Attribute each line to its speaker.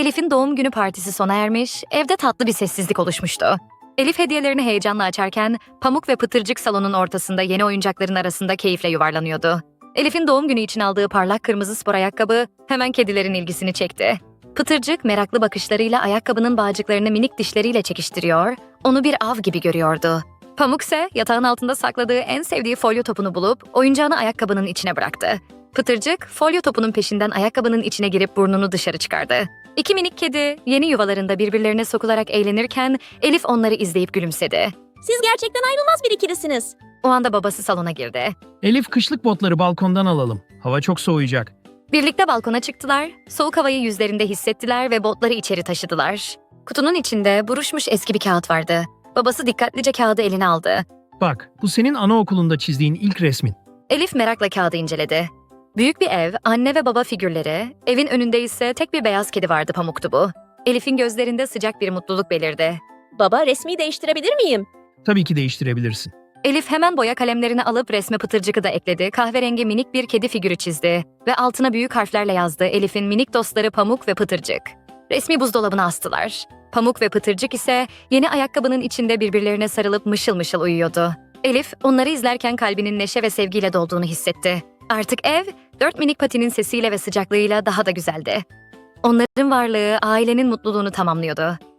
Speaker 1: Elif'in doğum günü partisi sona ermiş, evde tatlı bir sessizlik oluşmuştu. Elif hediyelerini heyecanla açarken Pamuk ve Pıtırcık salonun ortasında yeni oyuncakların arasında keyifle yuvarlanıyordu. Elif'in doğum günü için aldığı parlak kırmızı spor ayakkabı hemen kedilerin ilgisini çekti. Pıtırcık meraklı bakışlarıyla ayakkabının bağcıklarını minik dişleriyle çekiştiriyor, onu bir av gibi görüyordu. Pamuk ise yatağın altında sakladığı en sevdiği folyo topunu bulup oyuncağını ayakkabının içine bıraktı. Pıtırcık, folyo topunun peşinden ayakkabının içine girip burnunu dışarı çıkardı. İki minik kedi yeni yuvalarında birbirlerine sokularak eğlenirken Elif onları izleyip gülümsedi.
Speaker 2: Siz gerçekten ayrılmaz bir ikilisiniz.
Speaker 1: O anda babası salona girdi.
Speaker 3: Elif, kışlık botları balkondan alalım. Hava çok soğuyacak.
Speaker 1: Birlikte balkona çıktılar, soğuk havayı yüzlerinde hissettiler ve botları içeri taşıdılar. Kutunun içinde buruşmuş eski bir kağıt vardı. Babası dikkatlice kağıdı eline aldı.
Speaker 3: Bak, bu senin anaokulunda çizdiğin ilk resmin.
Speaker 1: Elif merakla kağıdı inceledi. Büyük bir ev, anne ve baba figürleri, evin önünde ise tek bir beyaz kedi vardı, Pamuk'tu bu. Elif'in gözlerinde sıcak bir mutluluk belirdi.
Speaker 2: Baba, resmi değiştirebilir miyim?
Speaker 3: Tabii ki değiştirebilirsin.
Speaker 1: Elif hemen boya kalemlerini alıp resme Pıtırcık'ı da ekledi, kahverengi minik bir kedi figürü çizdi ve altına büyük harflerle yazdı Elif'in minik dostları Pamuk ve Pıtırcık. Resmi buzdolabına astılar. Pamuk ve Pıtırcık ise yeni ayakkabının içinde birbirlerine sarılıp mışıl mışıl uyuyordu. Elif onları izlerken kalbinin neşe ve sevgiyle dolduğunu hissetti. Artık ev, 4 minik patinin sesiyle ve sıcaklığıyla daha da güzeldi. Onların varlığı ailenin mutluluğunu tamamlıyordu.